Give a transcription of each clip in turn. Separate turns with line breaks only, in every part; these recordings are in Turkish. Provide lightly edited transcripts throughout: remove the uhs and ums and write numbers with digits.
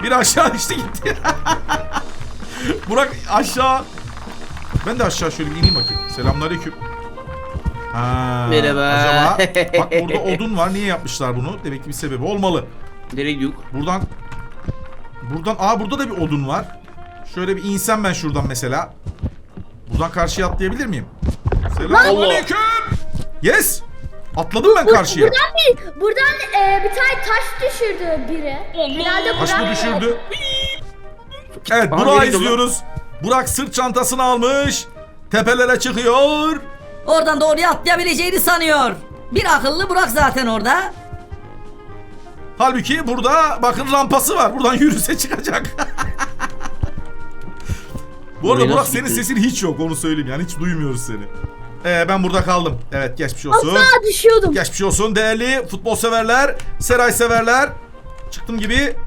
Biri aşağı düştü gitti. Burak aşağı. Ben de aşağı şöyle bir ineyim bakayım. Selamünaleyküm. Ha,
Merhaba.
acaba bak burada odun var. Niye yapmışlar bunu? Demek ki bir sebebi olmalı.
Nereye gidiyoruz?
Buradan burada da bir odun var. Şöyle bir insem ben şuradan mesela. Buradan karşıya atlayabilir miyim? Selamünaleyküm. Yes. Atladım ben karşıya.
Buradan bir tane taş düşürdü biri. Herhalde
Taş mı
Burak.
düşürdü? Evet,
Aha,
Burak'ı
nereye gidiyor
izliyoruz. Burak sırt çantasını almış. Tepelere çıkıyor.
Oradan doğruya atlayabileceğini sanıyor. Bir akıllı Burak zaten orada.
Halbuki burada bakın rampası var. Buradan yürüse çıkacak. Bu arada
Buraya
Burak
nasıl
senin
gitti?
sesin hiç yok, onu söyleyeyim yani, hiç duymuyoruz seni. Ben burada kaldım. Evet, geçmiş olsun.
Asla düşüyordum.
Geçmiş olsun değerli futbol severler, Seray severler. Çıktım gibi.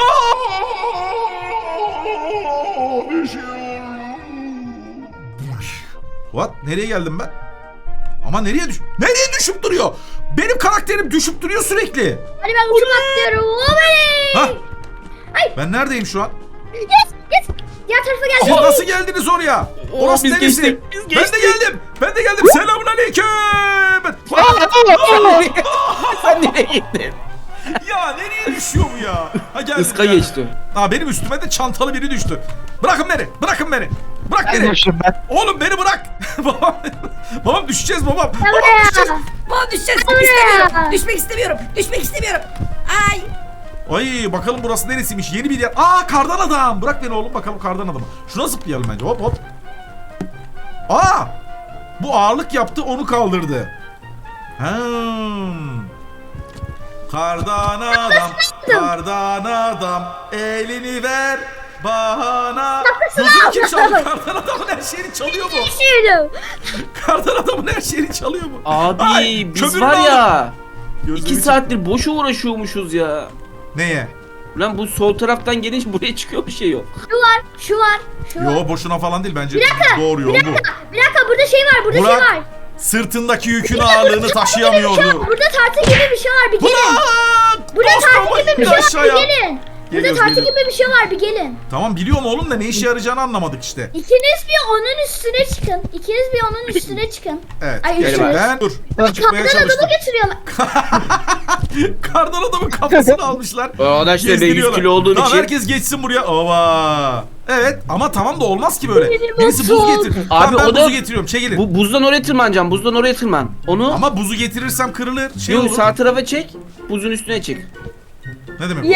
What? Nereye geldim ben? Ama nereye düşüp duruyor? Benim karakterim düşüp duruyor sürekli.
Hadi ben uçum atlıyorum.
Ha?
Oley!
Ben neredeyim şu an?
Yes. Diğer tarafa
Siz
geldim.
nasıl geldiniz oraya? Orası
biz
neresi?
geçtik, biz
Ben
geçtik.
de geldim. Ben de geldim. Selamünaleyküm.
Sen nereye gittin?
Ya nereye düşüyor bu ya? Ha, geldim,
Iska
geldim.
geçti.
Ha, benim üstüme de çantalı biri düştü. Bırakın beni. Bırakın beni. Bırak beni. Oğlum beni bırak. Babam düşeceğiz babam. Babam düşeceğiz.
Bana düşeceğiz.
Buraya.
İstemiyorum. Düşmek istemiyorum. Düşmek istemiyorum. Ay.
Ay, bakalım burası neresiymiş? Yeni bir yer. Aa, kardan adam. Bırak beni oğlum, bakalım kardan adamı. Şuna zıplayalım bence. Hop hop. Aa! Bu ağırlık yaptı, onu kaldırdı. Kardan adam, kardan adam, elini ver bana. Buzunu kim çaldı? Kardan adamın her şeyini çalıyor mu?
Düşürdüm.
Kardan adamın her şeyini çalıyor mu?
Abi
Ay,
biz
kömür
var
mü
ya.
Gözlerimi
2 saattir boşa uğraşıyormuşuz ya.
Neye?
Lan bu sol taraftan gelince buraya çıkıyor, bir şey yok.
Şu var.
Yo, boşuna falan değil bence. Doğru yol bu.
Bir dakika, burada şey var. Burada
Burak,
şey var.
Sırtındaki yükün ağırlığını taşıyamıyordu.
Burada tartı gibi bir şey var. Bir gelin.
Burak!
Burada
Dostum,
tartı gibi bir
in
şey var. Bir
aşağıya.
gelin. Burada
Geliyoruz,
tartı
geliyoruz.
gibi bir şey var. Bir gelin.
Tamam, biliyorum oğlum da ne işe yarayacağını anlamadık işte.
İkiniz bir onun üstüne çıkın. İkiniz bir onun üstüne çıkın.
Evet,
Ay,
gerçekten. Dur, çıkmaya
Kardan
çalıştım.
adamı getiriyorlar.
Kardan adamın kafasını almışlar.
Arkadaşlar ben 100
Gezdiriyorlar.
kilo olduğum
Tamam,
için.
herkes geçsin buraya. Ova. Evet, ama tamam da olmaz ki böyle.
Benim
Birisi buz
olsun.
getir.
Abi,
Tamam, ben
o da-
buzu getiriyorum. Çekilin.
Bu buzdan oraya tırmanacağım. Buzdan oraya tırman. Onu
Ama buzu getirirsem kırılır. Şey
yok,
olur.
sağ tarafa çek. Buzun üstüne çık.
Ne demek bu?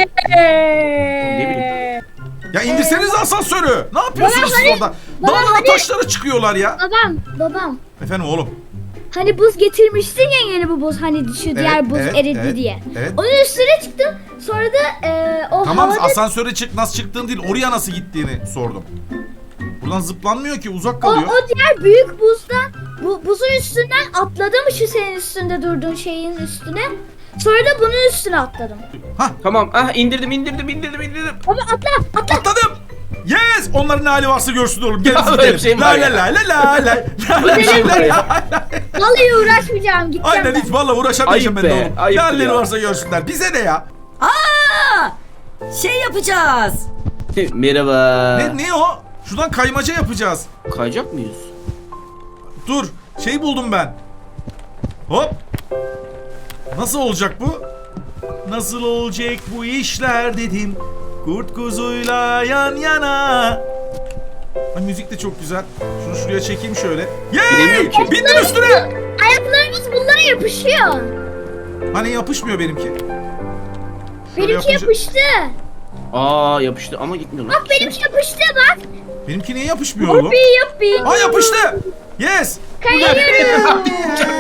Ne bileyim.
Ya indirseniz asansörü. Ne yapıyorsunuz siz orada?
baba
Dağlara
hani-
taşlara çıkıyorlar ya.
Babam.
Efendim oğlum.
Hani buz getirmiştin ya, yeni bu buz, hani şu diğer buz
evet,
eridi
evet,
diye.
evet.
Onun üstüne çıktım. Sonra da o
Tamam,
havada
asansöre çık, nasıl çıktığını değil, oraya nasıl gittiğini sordum. Buradan zıplanmıyor ki, uzak
o
kalıyor.
diğer büyük buzdan, buzun üstünden atladım, şu senin üstünde durduğun şeyin üstüne. Sonra da bunun üstüne atladım.
Hah,
Tamam. Ah, indirdim.
Ama atla.
atladım. Yes! Onların ne hali varsa görsün oğlum. Gelin
Ya,
gidelim.
öyle bir şey mi
La
var
la
ya?
la la la la.
Böyle bir şey mi var ya?
Vallahi uğraşmayacağım, gideceğim
Aynen,
ben.
hiç valla uğraşamayacağım ben
Ayıp
de
be,
oğlum. Ne
ayıptır
halleri
ya.
varsa görsünler. Bize ne ya?
Aa! Şey yapacağız.
Merhaba.
Ne o? Şuradan kaymaca yapacağız.
Kayacak mıyız?
Dur. Şey buldum ben. Hop. Nasıl olacak bu? Nasıl olacak bu işler dedim. Kurt kuzuyla yan yana. Ay, müzik de çok güzel. Şunu şuraya çekeyim şöyle.
Bilemiyorum
Yey!
ki.
Bindim üstüne.
Ayaklarımız bunlara yapışıyor.
Hani yapışmıyor benimki. Şöyle
Benimki
yapınca-
yapıştı.
Aa, yapıştı ama gitmiyor lan.
Bak benimki yapıştı bak.
Benimki niye yapışmıyor oğlum?
Yuppi.
Aa, yapıştı. Yes.
Kayıyorum.
Happy,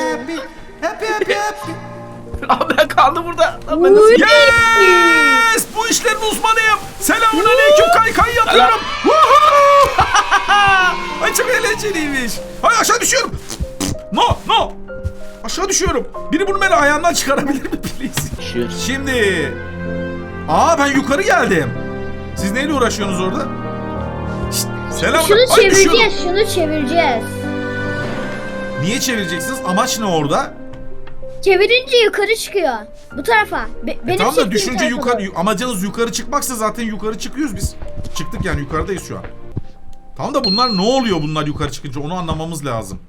happy.
Abi ben kaldım burada. Lan ben nasıl...
Yes! Bu işlerin uzmanıyım. Selamünaleyküm, kaykay yapıyorum. Woohoo! Ay, çok eğlenceliymiş. Ay, aşağı düşüyorum. No. Aşağı düşüyorum. Biri bunu beni ayağımdan çıkarabilir mi please?
Düşüyor.
Şimdi. Ben yukarı geldim. Siz neyle uğraşıyorsunuz orada? Şşt, selam.
Şunu
Ay, düşüyorum.
çevireceğiz, şunu çevireceğiz.
Niye çevireceksiniz? Amaç ne orada?
Çevirince yukarı çıkıyor. Bu tarafa. Benim
Tamam da
çektiğim
düşünce
tarafa
yukarı
doğru.
amacınız yukarı çıkmaksa zaten yukarı çıkıyoruz biz. Çıktık yani yukarıdayız şu an. Tamam da bunlar ne oluyor bunlar yukarı çıkınca onu anlamamız lazım.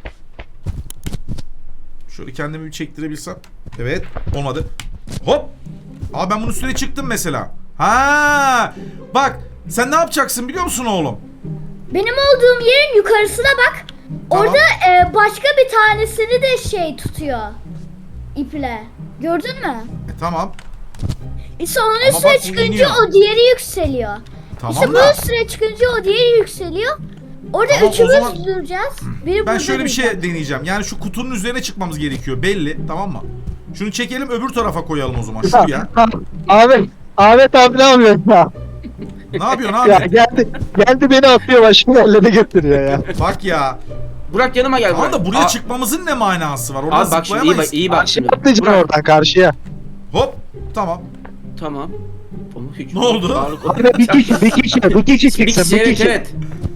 Şöyle kendimi bir çektirebilsem. Evet olmadı. Hop. Aa ben bunun üstüne çıktım mesela. Ha bak sen ne yapacaksın biliyor musun oğlum?
Benim olduğum yerin yukarısına bak.
Tamam.
Orada başka bir tanesini de şey tutuyor. İple. Gördün mü?
Tamam.
İşte onun
Ama
üstüne
bak bu
çıkınca
iniyor.
o diğeri yükseliyor.
Tamam
işte
da.
bunun üstüne çıkınca o diğeri yükseliyor. Orada
Tamam, o
üçümüz
zaman-
duracağız. Biri
Ben
burada
şöyle bir şey
duracak.
deneyeceğim. Yani şu kutunun üzerine çıkmamız gerekiyor belli tamam mı? Şunu çekelim öbür tarafa koyalım o zaman şuraya.
Ahmet abi ne yapıyorsun ya?
Ne yapıyorsun
Ya
abi?
geldi beni atıyor başımın ellerine götürüyor ya.
Bak ya.
Burak yanıma gel.
Tamam
Burak.
da buraya
Aa,
çıkmamızın ne manası var? Oradan
Abi bak şimdi iyi bak
zıplayamayız.
iyi bak
Karşıya
şimdi.
atlayacaksın
Burak,
oradan karşıya.
Hop. Tamam.
Tamam. Oğlum, hiç
Ne oldu?
ağırlık-
Abi bir kişi
Bir kişi evet evet.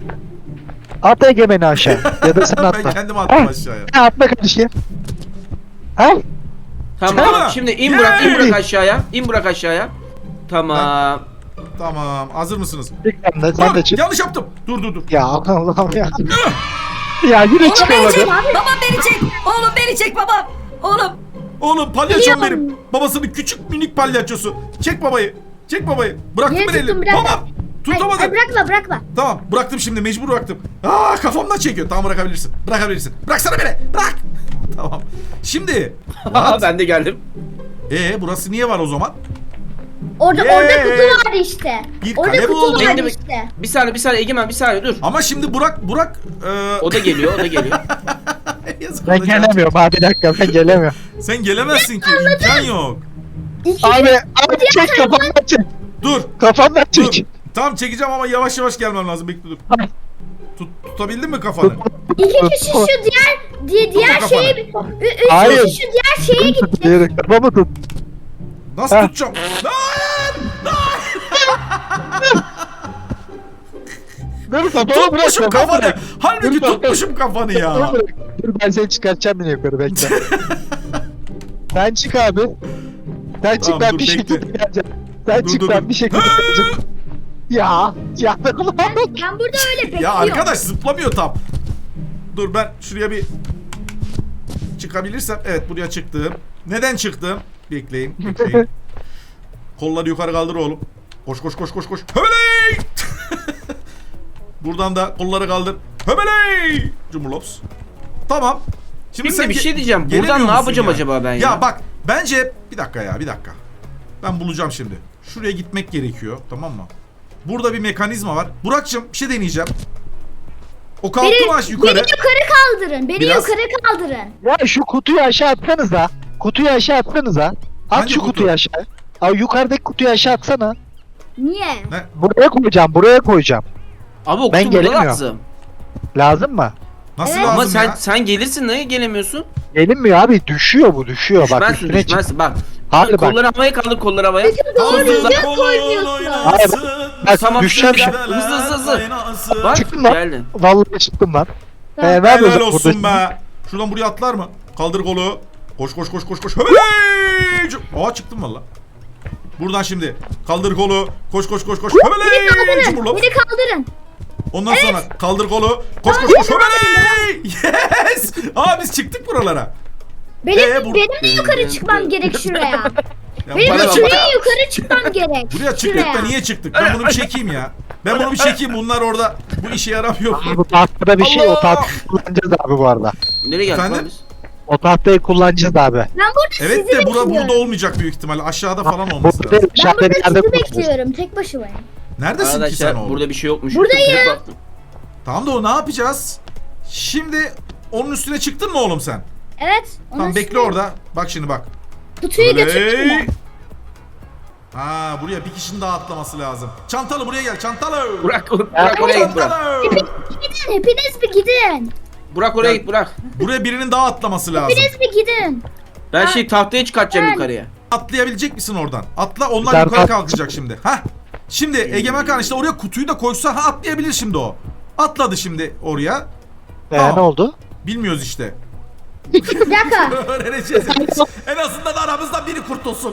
At Egemen'i aşağı. Ya da sen
Ben
atla.
kendim attım aşağıya.
Ha, atla karşıya. Ha?
Tamam
Çıkma.
şimdi in Burak in
Yay!
Burak aşağıya. İn Burak aşağıya. Tamam.
Tamam. Hazır mısınız?
Çık sen de, sen
Dur,
de çık.
yanlış yaptım. Dur.
Ya Allah'ım ya. Ya yine
Oğlum beni
çıkamadı.
çek. Babam beni çek. Oğlum beni çek babam. Oğlum.
Oğlum palyaçom
Biliyorum.
benim. Babasının küçük minik palyaçosu. Çek babayı. Çek babayı. Bıraktım
Yere
ben
tuttum,
elini.
bırak.
Babam. Tutamadım.
Ay, bırakma.
Tamam bıraktım şimdi mecbur bıraktım. Aa kafamdan çekiyor. Tamam bırakabilirsin. Bırakabilirsin. Bıraksana beni. Bırak. Tamam. Şimdi.
Ben de geldim.
Burası niye var o zaman?
Orada
Yay!
kutu var işte.
Bir
Orada
kale
kutu
buldum.
var
Benim de-
işte.
Bir saniye Egemen bir saniye dur.
Ama şimdi Burak
O da geliyor.
yazık
Ben
olacak.
gelemiyorum abi bir dakika ben gelemiyorum.
Sen gelemezsin ki. İmkan yok.
Abi çek kafamdan çek.
Dur.
Kafamdan
Dur.
çek.
Tamam çekeceğim ama yavaş yavaş gelmem lazım. Bekle dur. Tutabildin mi kafanı?
İki kişi şu diğer
kafanı.
şeye üç
Hayır.
kişi şu diğer şeye gitti.
Diğeri kafamı tut.
Nasıl
Ha.
tutacağım? Hayır!
Dur kafamı bırak.
Tutmuşum
kafamı
kafanı.
bırak.
Halbuki
Dur, bak.
tutmuşum kafanı ya.
Kafamı bırak. Dur ben seni çıkartacağım yine yukarı bekle. Sen çık abi. Sen çık
Tamam,
ben
dur,
bir
bekle.
şekilde geleceğim. Sen
Dur,
çık
dur,
ben
dur.
bir şekilde geleceğim. Ya.
Ben burada öyle bekliyorum.
Ya arkadaş zıplamıyor tam. Dur ben şuraya bir çıkabilirsem. Evet buraya çıktım. Neden çıktım? Bekleyin. Kolları yukarı kaldır oğlum. Koş. Höbeley! Buradan da kolları kaldır. Höbeley! Cumhurlops. Tamam.
Şimdi bir şey diyeceğim.
gelemiyor
Buradan ne
musun
yapacağım
ya?
acaba ben ya?
Ya bak bence bir dakika. Ben bulacağım şimdi. Şuraya gitmek gerekiyor. Tamam mı? Burada bir mekanizma var. Burak'cığım bir şey deneyeceğim. O kalktı mı aş yukarı?
Beni yukarı kaldırın. Beni
Biraz.
yukarı kaldırın.
Ya şu kutuyu aşağı atsanıza. Kutuyu aşağı atsanıza. At
Hangi
şu
kutu?
kutuyu aşağı. Abi yukarıdaki kutuyu aşağı atsana.
Niye?
Ne?
Buraya koyacağım.
Abi o
Ben
kutu burada
gelemiyorum.
lazım.
Lazım mı?
Nasıl
Evet.
lazım
Ama sen
ya?
sen gelirsin niye gelemiyorsun?
Gelinmiyor abi düşüyor bu düşüyor bak
Düşmezsin
üstüne çık.
düşmezsin bak.
Hayır bak.
Kolları havaya kaldır kolları havaya.
Doğru
Kaldır
düzgün
kolun
koymuyorsun.
Hayır, Bak
Tamam,
düşeceğim
şimdi
şimdi.
Hızlı. Bak
Çıktım lan.
geldin.
Vallahi çıktım lan.
Tamam.
Ne
Helal
yapıyorsun
olsun
burada?
be. Şuradan buraya atlar mı? Kaldır kolu. Koş. Höbeley! Aa çıktım valla. Buradan şimdi. Kaldır kolu. Koş. Höbeley!
Kaldırın.
Cumhurlops.
Beni kaldırın.
Ondan sonra kaldır kolu. Koş. Höbeley! Yes! Aa biz çıktık buralara.
Benim de yukarı çıkmam gerek şuraya.
Ya
Benim
buraya
de
bak-
şuraya yukarı çıkmam gerek.
Buraya çıktık da niye çıktık? Ben bunu bir çekeyim ya. Bunlar orada bu işe yaramıyor.
Abi bu tahtada bir şey o
Allah!
tahtayı kullanacağız abi bu arada.
Nereye geldik
Efendim?
lan biz?
O tahtayı kullanacağız abi.
Ben burada
Evet
sizi
de burada
bekliyorum.
olmayacak büyük ihtimalle. Aşağıda falan olması
Burada
lazım.
Ben
dışarıda
burada
bir yerde
sizi
kullanacağız.
bekliyorum. Tek başımayım.
Neredesin ki sen
Arkadaşlar
oğlum?
burada bir şey yokmuş.
Buradayım.
Tıklayıp baktım.
Tamam da o ne yapacağız? Şimdi onun üstüne çıktın mı oğlum sen?
Evet.
Tamam bekle orada. Bak şimdi bak.
Kutuyu götürdüm ben.
Ha buraya bir kişinin daha atlaması lazım. Çantalı buraya gel çantalı.
Burak oraya git Burak.
Çantalı.
Gidin. Hepiniz bir gidin.
Burak oraya git Burak.
Buraya birinin daha atlaması lazım.
Hepiniz bir gidin.
Ben şey tahtaya çıkartacağım
Ben-
yukarıya.
Atlayabilecek misin oradan? Atla onlar
Ben
yukarı
at-
kalkacak şimdi. Hah. Şimdi Egemen Kan işte oraya kutuyu da koysa ha atlayabilir şimdi o. Atladı şimdi oraya. Tamam.
Ne oldu?
Bilmiyoruz işte.
Bir dakika.
Öğreneceğiz. En azından aramızdan biri kurtulsun.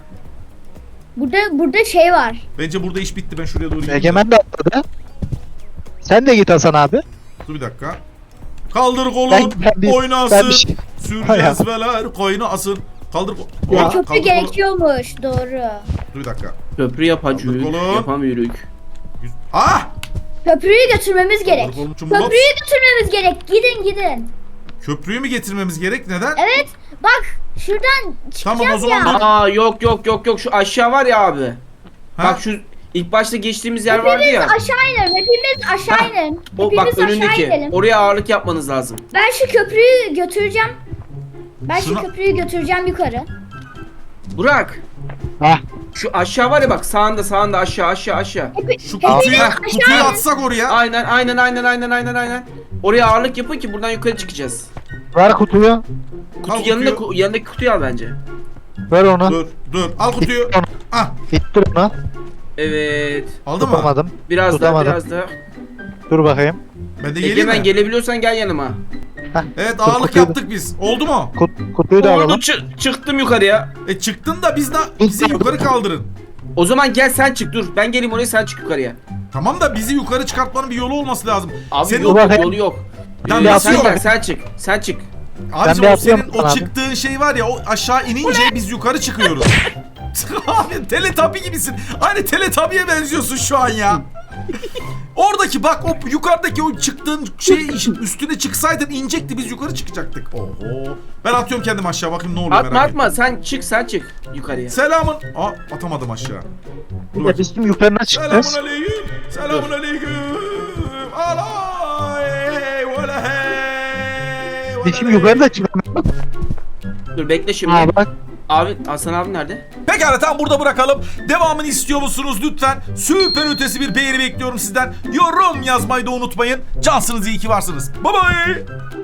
Burada şey var.
Bence burada iş bitti. Ben şuraya doğru gideyim.
Egemen de atladı. Sen de git Hasan abi.
Dur bir dakika. Kaldır kolun,
Ben bir
oynasın.
şey-
Sür
Hay
cezveler, koynasın. Kaldır
Ya.
Aa,
Köprü
kaldır
gerekiyormuş. Doğru.
Dur bir dakika.
Köprü yapacak.
Kaldır kolu.
Yapamıyoruz.
Ah!
Köprüyü götürmemiz gerek.
Kaldır kolum çumbulops.
Köprüyü götürmemiz gerek. Gidin.
Köprüyü mü getirmemiz gerek? Neden?
Evet. Bak şuradan çıkacağız
Tamam, o zaman
ya.
dur.
Aa yok şu aşağı var ya abi.
Ha?
Bak şu ilk başta geçtiğimiz yer vardı
Hepimiz
ya.
aşağı inelim. Hepimiz aşağı inelim.
O bak
Hepimiz aşağı
önündeki.
inelim.
Oraya ağırlık yapmanız lazım.
Ben şu köprüyü götüreceğim. Ben
Şuna-
şu köprüyü götüreceğim yukarı.
Burak.
Hah.
Şu aşağı var ya bak sağında aşağı.
Şu
Hepimiz
kutuyu
aşağı
atsak oraya.
Aynen. Oraya ağırlık yapın ki buradan yukarı çıkacağız.
Ver kutuyu.
Kutu
Al
yanında
kutuyu.
yanındaki kutuyu al bence.
Ver onu.
Dur. Al kutuyu.
İttir onu.
Ah,
İttir onu.
Evet.
aldın mı?
Tutamadım.
Biraz
Tutamadım.
daha.
Dur bakayım.
Ben de geleyim
Egemen
mi?
gelebiliyorsan gel yanıma.
Evet,
Dur,
ağırlık
kutuyu da-
yaptık biz. Oldu mu?
Kutuyu da
Oldu
alalım.
çıktım yukarıya.
Çıktın da bizi yukarı kaldırın.
O zaman gel sen çık dur. Ben geleyim oraya sen çık yukarıya.
Tamam da bizi yukarı çıkartmanın bir yolu olması lazım.
Abi
Senin
yolu
o-
yok yolu yok.
Tamam,
sen
yapıyorum.
gel sen çık.
Abicim
bir
o
atlıyorum
senin o
abi.
çıktığın şey var ya, o aşağı inince biz yukarı çıkıyoruz. Abi Teletubby gibisin. Aynı Teletubby'ye benziyorsun şu an ya. Oradaki bak, o yukarıdaki o çıktığın şey üstüne çıksaydın inecekti, biz yukarı çıkacaktık. Oho. Ben atıyorum kendim aşağı, bakayım ne oluyor, merak ettim.
Atma sen çık yukarıya.
Selamın. Atamadım aşağı. Dur bakayım.
Biz şimdi yukarı nasıl çıkacağız?
Selamun aleyküm. Selamun aleyküm. Alay. Vela hey.
Biz şimdi yukarı da çıkalım.
Dur bekle şimdi.
Ha bak.
Abi Hasan abi nerede?
Pekala, tam burada bırakalım. Devamını istiyor musunuz lütfen? Süper ötesi bir beğeni bekliyorum sizden. Yorum yazmayı da unutmayın. Cansınız, iyi ki varsınız. Bye bye.